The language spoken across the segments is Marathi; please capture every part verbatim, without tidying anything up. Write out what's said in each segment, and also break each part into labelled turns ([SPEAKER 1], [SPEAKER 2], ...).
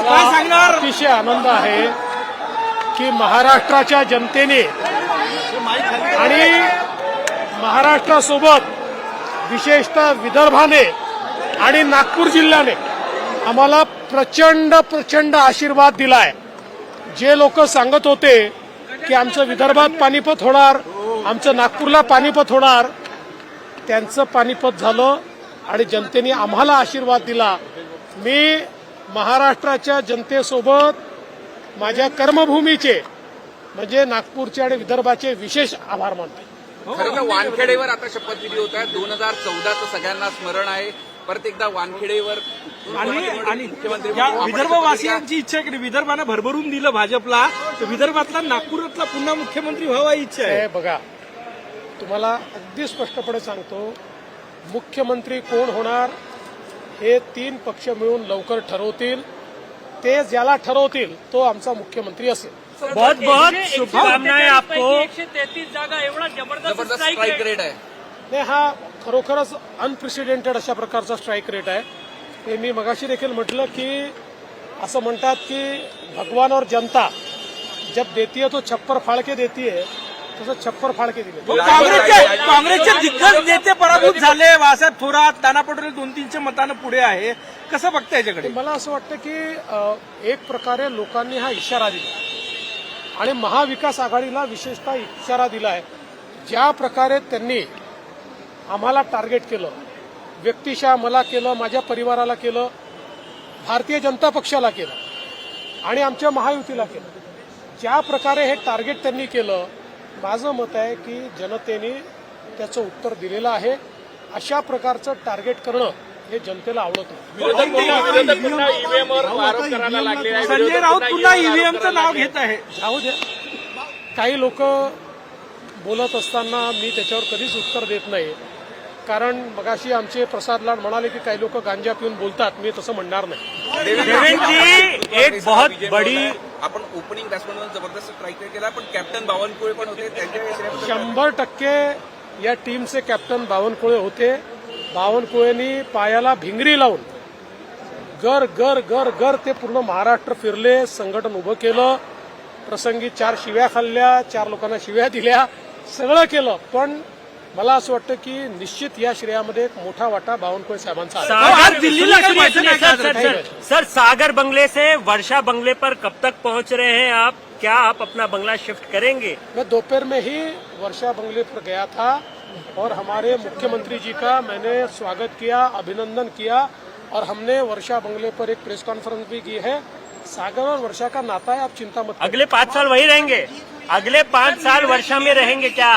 [SPEAKER 1] अतिशय आनंद आहे की महाराष्ट्राच्या जनतेने आणि महाराष्ट्रासोबत विशेषतः विदर्भाने आणि नागपूर जिल्ह्याने आम्हाला प्रचंड प्रचंड आशीर्वाद दिलाय। जे लोक सांगत होते की आमचं विदर्भात पानिपत होणार, आमचं नागपूरला पानिपत होणार, त्यांचं पानिपत झालं आणि जनतेने आम्हाला आशीर्वाद दिला। मी महाराष्ट्राच्या जनतेसोबत माझ्या कर्मभूमीचे म्हणजे नागपूरचे आणि विदर्भाचे विशेष आभार मानतो।
[SPEAKER 2] खरं तर वानखेडेवर आता शपथविधी होत आहे। दोन हजार चौदाचं सगळ्यांना स्मरण आहे। परत एकदा वानखेडेवर
[SPEAKER 3] आणि विदर्भवासियांची इच्छा आहे की विदर्भानं भरभरून दिलं भाजपला, तर विदर्भातला नागपुरातला पुन्हा मुख्यमंत्री व्हावा ही इच्छा आहे।
[SPEAKER 1] बघा, तुम्हाला अगदी स्पष्टपणे सांगतो, मुख्यमंत्री कोण होणार हे तीन पक्ष मिळून लवकर ठरवतील। ते ज्याला ठरवतील तो आमचा मुख्यमंत्री असेल।
[SPEAKER 4] बहुत बहुत शुभकामनाएं आपको।
[SPEAKER 5] एकशे तेहतीस जागा एवढा जबरदस्त
[SPEAKER 2] जबरदस्त
[SPEAKER 5] स्ट्राईक
[SPEAKER 2] स्ट्राईक रेट आहे।
[SPEAKER 1] नाही, हा खरोखरच अनप्रेसिडेंटेड अशा प्रकारचा स्ट्राईक रेट आहे। ते मी मगाशी देखील म्हटलं की असं म्हणतात की भगवान और जनता जब देती है तो छप्पर फाड़ के देती है, तसं छप्पर फाड़ के दिले।
[SPEAKER 3] काँग्रेसचे काँग्रेसचे दिग्गज नेते पराभूत झाले। बाळासाहेब थोरात, नाना पटोले दोन तीनच्या मतानं पुढे आहे। कसं बघता याच्याकडे?
[SPEAKER 1] मला असं वाटतं की एक प्रकारे लोकांनी हा इशारा दिला आणि महाविकास आघाडीला विशेषतः इशारा दिला आहे। ज्या प्रकारे त्यांनी आम्हाला टार्गेट केलं, व्यक्तिशः मला केलं, माझ्या परिवाराला केलं, भारतीय जनता पक्षाला केलं आणि आमच्या महायुतीला केलं, ज्या प्रकारे हे टार्गेट त्यांनी केलं, माझं मत आहे की जनतेने त्याचं उत्तर दिलेलं आहे। अशा प्रकारचं टार्गेट करणं हे जनतेला आवडत नाही।
[SPEAKER 3] संजय राऊत पुन्हा ईव्हीएमचं नाव घेत आहे।
[SPEAKER 1] जाऊ द्या, काही लोक बोलत असताना मी त्याच्यावर कधीच उत्तर देत नाही, कारण मगाशी आमचे प्रसाद लाड म्हणाले की काही लोक गांजा पिऊन बोलतात। मी तसं म्हणणार नाही।
[SPEAKER 4] देवेंद्र जी, एक बहुत बड़ी
[SPEAKER 2] आपण ओपनिंग बॅट्समॅनवर जबरदस्त स्ट्राईक रेट केला, पण कॅप्टन बावनकुळे पण होते, त्यांच्या
[SPEAKER 1] शंभर टक्के या टीमचे कॅप्टन बावनकुळे होते। बावनकुळेंनी पायाला भिंगरी लावून गर गर गर गर ते पूर्ण महाराष्ट्र फिरले, संघटन उभं केलं, प्रसंगी चार शिव्या खाल्ल्या, चार लोकांना शिव्या दिल्या, सगळं केलं। पण मला असं वाटतं की निश्चित या श्रेयामध्ये एक मोठा वाटा बावनकुळे साहेबांचा आहे।
[SPEAKER 4] Sagar Delhi sir, sir, sir Sagar बंगले से वर्षा बंगले पर कब तक पहुंच रहे हैं आप? क्या आप अपना बंगला शिफ्ट करेंगे?
[SPEAKER 1] मैं दोपहर में ही वर्षा बंगले पर गया था और हमारे मुख्यमंत्री जी का मैंने स्वागत किया, अभिनंदन किया और हमने वर्षा बंगले पर एक प्रेस कॉन्फ्रेंस भी की है। सागर और वर्षा का नाता है, आप चिंता मत करिए।
[SPEAKER 4] अगले पाँच साल वही रहेंगे? अगले पाँच साल वर्षा में रहेंगे क्या?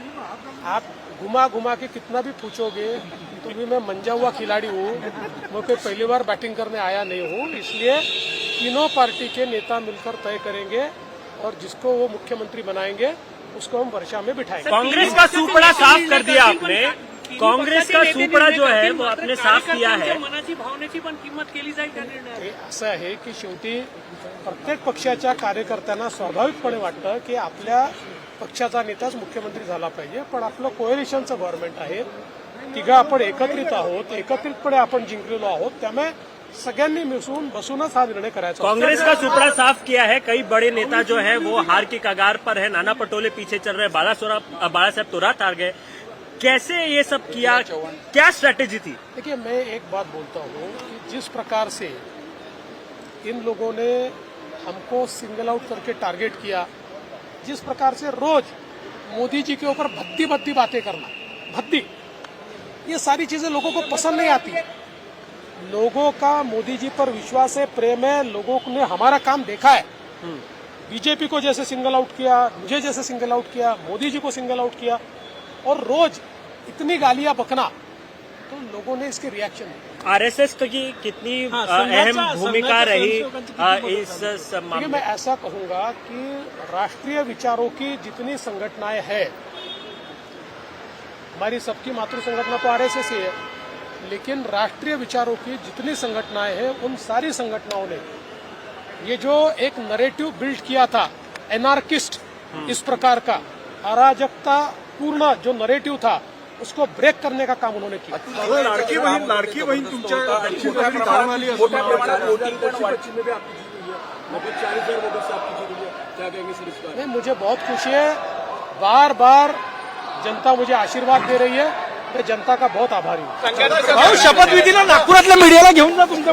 [SPEAKER 1] आप घुमा घुमा के कितना भी पूछोगे तो भी मैं मंजा हुआ खिलाड़ी हूँ, मैं कोई पहली बार बैटिंग करने आया नहीं हूँ। इसलिए तीनों पार्टी के नेता मिलकर तय करेंगे और जिसको वो मुख्यमंत्री बनाएंगे उसको हम वर्षा में बिठाएंगे।
[SPEAKER 4] कांग्रेस का सुपड़ा साफ कर दिया आपने, काँग्रेस का सुपड़ा जो है वो आपने साफ किया है।
[SPEAKER 5] मनाची भावनेची पण किंमत केली जाईल त्या निर्णयात।
[SPEAKER 1] हे असं आहे की शेवटी प्रत्येक पक्षाच्या कार्यकर्त्यांना स्वाभाविकपणे वाटतं की आपल्या पक्षाचा नेताच मुख्यमंत्री झाला पाहिजे, पण आपलं कोएलिशनचं गव्हर्नमेंट आहे, तिघं आपण एकत्रित आहोत, एकत्रितपणे आपण जिंकलेलो आहोत, त्यामुळे सगळ्यांनी मिसळून बसूनच हा निर्णय करायचा।
[SPEAKER 4] कांग्रेस का सुपड़ा साफ किया है, कई बड़े नेता जो है वो हार की कगार पर है, नाना पटोले पीछे चल रहे, बाला साहब थोरात हार गए, कैसे ये सब किया, क्या स्ट्रैटेजी थी?
[SPEAKER 1] देखिए, मैं एक बात बोलता हूँ कि जिस प्रकार से इन लोगों ने हमको सिंगल आउट करके टारगेट किया, जिस प्रकार से रोज मोदी जी के ऊपर भद्दी भद्दी बातें करना, भद्दी, ये सारी चीजें लोगों को पसंद नहीं आती। लोगों का मोदी जी पर विश्वास है, प्रेम है, लोगों ने हमारा काम देखा है। बीजेपी को जैसे सिंगल आउट किया, मुझे जैसे सिंगल आउट किया, मोदी जी को सिंगल आउट किया और रोज इतनी गालियां बकना, तो लोगों ने इसके रिएक्शन दिए।
[SPEAKER 4] आरएसएस की कितनी अहम भूमिका रही इस मामले?
[SPEAKER 1] मैं ऐसा कहूंगा कि राष्ट्रीय विचारों की जितनी संगठनाएं हैं, हमारी सबकी मातृ संगठना तो आरएसएस ही है, लेकिन राष्ट्रीय विचारों की जितनी संगठनाएं हैं उन सारी संगठनाओं ने ये जो एक नरेटिव बिल्ड किया था, एनार्किस्ट इस प्रकार का अराजकता पूर्ण जो नरेटिव था, उसको ब्रेक करने का काम उन्होंने किया।
[SPEAKER 3] लाडकी बहीण लाडकी बहीण तुमच्या
[SPEAKER 2] मोठ्या प्रमाणात मोठ्या प्रमाणात वोटिंग पण वाढ-
[SPEAKER 1] नहीं, मुझे बहुत खुशी है, बार बार जनता मुझे आशीर्वाद दे रही है, मैं जनता का बहुत आभारी हूँ।
[SPEAKER 3] भाऊ शपथविधीला नागपुरातल्या मीडियाला घेऊन जा तुमचं